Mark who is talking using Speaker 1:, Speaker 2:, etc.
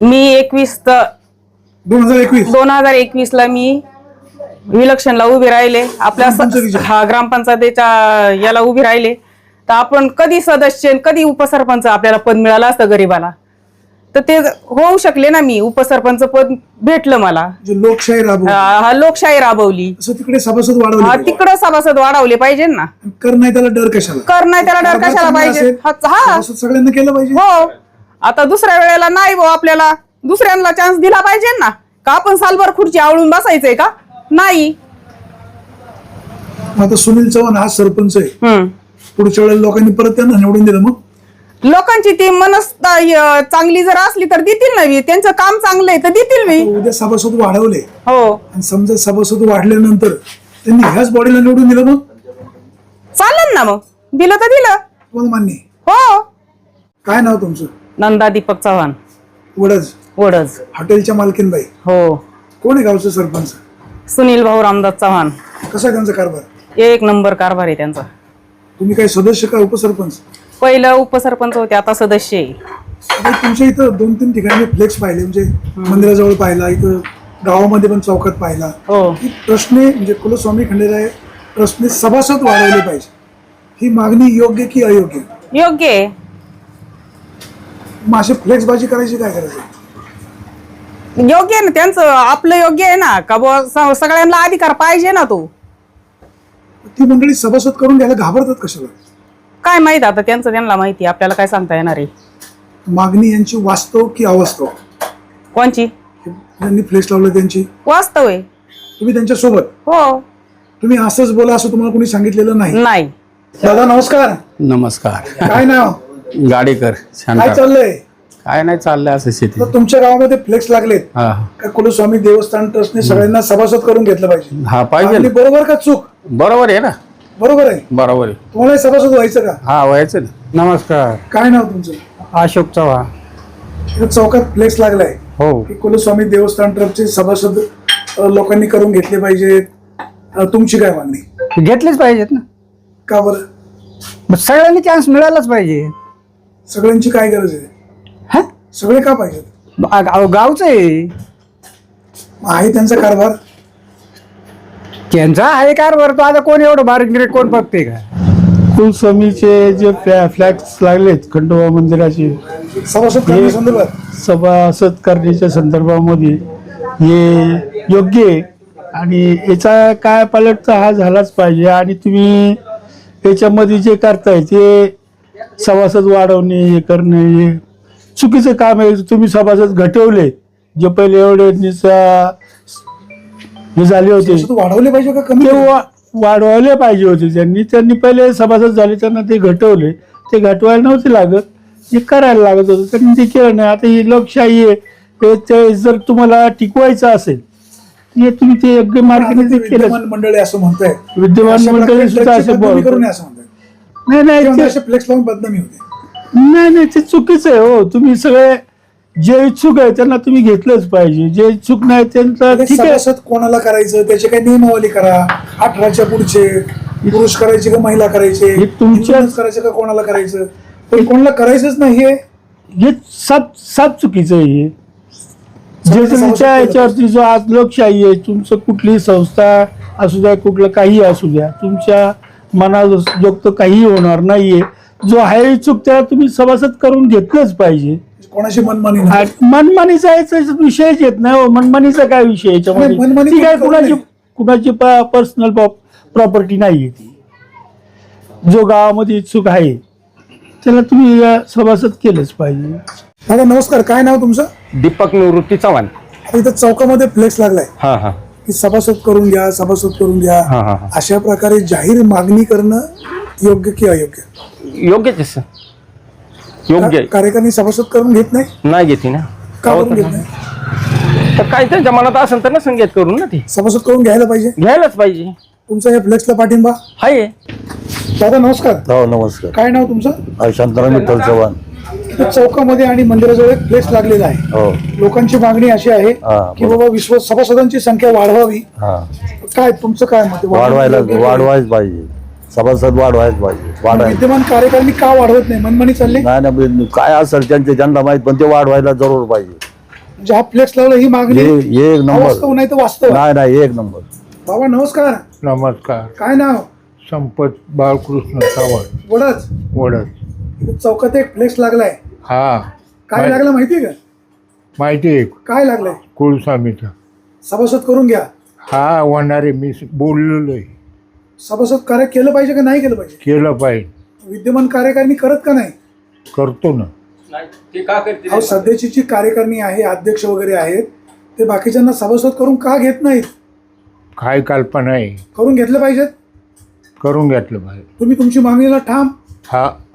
Speaker 1: मी 2021 ला मी इलेक्शनला उभी राहिले आपल्या ग्रामपंचायतीच्या याला उभी राहिले तर आपण कधी सदस्य कधी उपसरपंच आपल्याला पद मिळालं असतं गरीबाला तर ते होऊ शकले ना मी उपसरपंच पद भेटलं मला
Speaker 2: लोकशाही
Speaker 1: लोकशाही राबवली
Speaker 2: तिकडे सभासद वाढवले
Speaker 1: तिकडे सभासद वाढवले पाहिजे ना
Speaker 2: कर नाही त्याला डर कशाला
Speaker 1: पाहिजे हा
Speaker 2: सगळ्यांना केलं पाहिजे
Speaker 1: हो आता दुसऱ्या वेळेला नाही भाऊ आपल्याला दुसऱ्यांना चान्स दिला पाहिजे ना का आपण सालभर खुर्ची आवळून बसायचंय का नाही
Speaker 2: आता सुनील चव्हाण हा सरपंच आहे पुढच्या वेळेला लोकांनी परत त्यांना निवडून दिलं मग
Speaker 1: लोकांची ती मनस्ता चांगली जर असली तर देतील ना त्यांचं काम चांगलं आहे तर देतील मी
Speaker 2: उद्या सभासद वाढवले
Speaker 1: हो
Speaker 2: आणि समजा सभासद वाढल्यानंतर त्यांनी ह्याच बॉडीला निवडून दिलं मग
Speaker 1: चालेल ना मग दिलं तर दिलं
Speaker 2: तुम्हाला मान्य
Speaker 1: हो
Speaker 2: काय नाव तुमचं
Speaker 1: नंदा दीपक चव्हाण वडज
Speaker 2: हॉटेलच्या मालकीनबाई
Speaker 1: हो
Speaker 2: कोण आहे गावचं सरपंच
Speaker 1: सुनील भाऊ रामदास चव्हाण
Speaker 2: कसा आहे त्यांचा कारभार
Speaker 1: 1 नंबर कारभार आहे त्यांचा
Speaker 2: तुम्ही काय सदस्य का उपसरपंच
Speaker 1: पहिलं उपसरपंच होते आता सदस्य आहे
Speaker 2: तुमच्या इथं 2-3 ठिकाणी फ्लेक्स पाहिले म्हणजे मंदिराजवळ पाहिला इथं गावामध्ये पण चौकात पाहिला
Speaker 1: हो
Speaker 2: प्रश्न म्हणजे कुलस्वामी खंडेराय प्रश्न सभासद वाढवले पाहिजे ही मागणी योग्य की अयोग्य
Speaker 1: योग्य आहे
Speaker 2: मग अशी फ्लेक्सबाजी करायची काय करायचं
Speaker 1: योग्य आहे ना त्यांचं आपलं योग्य आहे ना का बुवा सगळ्यांना अधिकार पाहिजे ना तो
Speaker 2: ती मंडळी सभासद करून घ्यायला घाबरतात कशाला
Speaker 1: काय माहित आता त्यांना माहिती आपल्याला काय सांगता येणार आहे
Speaker 2: मागणी यांची वास्तव की अवास्तव
Speaker 1: कोणची
Speaker 2: यांनी फ्लेक्स लावलं त्यांची
Speaker 1: वास्तव आहे
Speaker 2: तुम्ही त्यांच्या सोबत
Speaker 1: हो
Speaker 2: तुम्ही असंच बोला असं तुम्हाला कोणी सांगितलेलं नाही दादा
Speaker 3: नमस्कार
Speaker 2: काय नाव
Speaker 3: गाडेकर
Speaker 2: काय चाललंय
Speaker 3: काय नाही चाललंय असं शेती
Speaker 2: तर तुमच्या गावामध्ये फ्लेक्स लागलेत का कुलस्वामी देवस्थान ट्रस्टने सगळ्यांना सभासद करून घेतलं पाहिजे
Speaker 3: हा पाहिजे
Speaker 2: आणि बरोबर का चूक
Speaker 3: बरोबर आहे ना
Speaker 2: बरोबर आहे
Speaker 3: बरोबर आहे
Speaker 2: तुम्हाला सभासद व्हायचं का
Speaker 3: हा व्हायचं ना
Speaker 4: नमस्कार
Speaker 2: काय नाव तुमचं
Speaker 4: अशोक चव्हाण
Speaker 2: इथं चौकात फ्लेक्स लागलाय
Speaker 4: हो
Speaker 2: की कुलस्वामी देवस्थान ट्रस्टचे सभासद लोकांनी करून घेतले पाहिजेत तुमची काय मागणी
Speaker 4: घेतलेच पाहिजेत ना
Speaker 2: का बरं
Speaker 4: मग सगळ्यांनी चान्स मिळालाच पाहिजे
Speaker 2: सगळ्यांची काय गरज आहे
Speaker 4: हा
Speaker 2: सगळे का पाहिजेत
Speaker 4: गावचं आहे
Speaker 2: आहे त्यांचा कारभार
Speaker 4: त्यांचा आहे कारभार तो आता कोण एवढं बारीक कोण बघते का
Speaker 5: कुलस्वामीचे जे फ्लॅग्स लागलेत खंडोबा मंदिराचे
Speaker 2: सभासद करण्यासंदर्भात
Speaker 5: सभासद करण्याच्या संदर्भामध्ये हे योग्य आहे आणि याचा काय पालटचा हा झालाच पाहिजे आणि तुम्ही याच्यामध्ये जे करताय ते सभासद वाढवणे हे करणे हे चुकीचं काम आहे तुम्ही सभासद घटवले जे पहिले एवढे हे झाले होते
Speaker 2: वाढवले पाहिजे का कमी
Speaker 5: ते वाढवायला पाहिजे होते त्यांनी पहिले सभासद झाले त्यांना ते घटवले ते घटवायला नव्हते लागत हे करायला लागत होतं त्यांनी ते केलं नाही आता ही लोकशाही आहे ते जर तुम्हाला टिकवायचं असेल हे तुम्ही ते योग्य मार्गाने ते केलं
Speaker 2: मंडळी असं म्हणताय
Speaker 5: विद्यमान मंडळी सुद्धा असं नाही
Speaker 2: फ्लेक्स लावून बदनामी होते
Speaker 5: नाही ते चुकीचं आहे हो तुम्ही सगळे जे इच्छुक आहे त्यांना तुम्ही घेतलंच पाहिजे जे इच्छुक नाही त्यांचा ठीक आहे
Speaker 2: सभासद कोणाला करायचं त्याची काही नियमावली करा 18च्या पुढचे पुरुष करायचे का महिला करायचे
Speaker 5: तुमच्याच
Speaker 2: करायचं का कोणाला करायचं पण कोणाला करायचंच नाही
Speaker 5: हे साप चुकीचं आहे हे जे तुमच्या याच्यावरती जो आज लोकशाही आहे तुमचं कुठलीही संस्था असू द्या कुठलं काही असू द्या तुमच्या मनाजोगतं काहीही होणार नाहीये जो आहे इच्छुक त्याला तुम्ही सभासद करून घेतलंच पाहिजे
Speaker 2: कोणाशी मनमानी
Speaker 5: मनमानीचा विषयच येत नाही हो मनमानीचा काय विषय याच्यामध्ये ती काय कुणाची पर्सनल प्रॉपर्टी नाहीये ती जो गावामध्ये इच्छुक आहे त्याला तुम्ही सभासद केलंच पाहिजे.
Speaker 2: दादा नमस्कार काय नाव तुमचं
Speaker 3: दीपक निवृत्ती चव्हाण
Speaker 2: इथं चौकामध्ये फ्लेक्स लागलाय
Speaker 3: हा हा
Speaker 2: की सभासद करून घ्या अशा प्रकारे जाहीर मागणी करणं योग्य की अयोग्य
Speaker 3: योग्यच आहे सर योग्य आहे
Speaker 2: कार्यकारिणी सभासद करून घेत नाही
Speaker 3: घेते ना
Speaker 2: का करून घेत नाही
Speaker 3: तर काय त्यांच्या मनात असेल तर ना संगीत करून ना ते
Speaker 2: सभासद करून घ्यायला
Speaker 3: घ्यायलाच पाहिजे
Speaker 2: तुमचा या फ्लेक्सला पाठिंबा
Speaker 3: आहे.
Speaker 2: दादा नमस्कार
Speaker 6: हो नमस्कार
Speaker 2: काय नाव तुमचं
Speaker 6: शांताराम विठ्ठल चव्हाण
Speaker 2: चौकामध्ये आणि मंदिराजवळ एक फ्लेक्स लागलेला आहे
Speaker 6: हो
Speaker 2: लोकांची मागणी अशी आहे की बाबा सभासदांची संख्या वाढवावी काय तुमचं काय मत
Speaker 6: वाढवायच पाहिजे सभासद वाढवायच पाहिजे
Speaker 2: विद्यमान कार्यकारिणी का वाढवत नाही मनमानी चालली
Speaker 6: नाही काय असेल त्यांना माहित पण ते वाढवायला जरूर पाहिजे
Speaker 2: ज्या फ्लेक्स लावला ही मागणी
Speaker 6: एक
Speaker 2: वास्तव
Speaker 6: नंबर
Speaker 2: नाही तर वास्तव आहे.
Speaker 6: नाही एक नंबर.
Speaker 2: बाबा नमस्कार.
Speaker 7: नमस्कार.
Speaker 2: काय नाव?
Speaker 7: संपत बाळकृष्ण सावंत,
Speaker 2: वडच.
Speaker 7: वडद.
Speaker 2: चौकात एक फ्लेक्स लागलाय.
Speaker 7: हा,
Speaker 2: काय लागलं माहितीये का?
Speaker 7: माहिती आहे.
Speaker 2: काय लागलंय?
Speaker 7: कुलस्वामीचा.
Speaker 2: सभासद करून घ्या.
Speaker 7: हा, होणारे मी बोललेलो आहे.
Speaker 2: सभासद कार्य केलं पाहिजे का नाही केलं पाहिजे?
Speaker 7: केलं पाहिजे.
Speaker 2: विद्यमान कार्यकारिणी करत का नाही?
Speaker 7: करतो ना.
Speaker 2: अहो, सध्याची जी कार्यकारिणी आहे, अध्यक्ष वगैरे आहेत, ते बाकीच्यांना सभासद करून का घेत नाहीत?
Speaker 7: काय कल्पना आहे.
Speaker 2: करून घेतलं पाहिजेत.
Speaker 7: करून घेतलं पाहिजे.
Speaker 2: तुम्ही तुमची मागणीला ठाम.
Speaker 7: हा,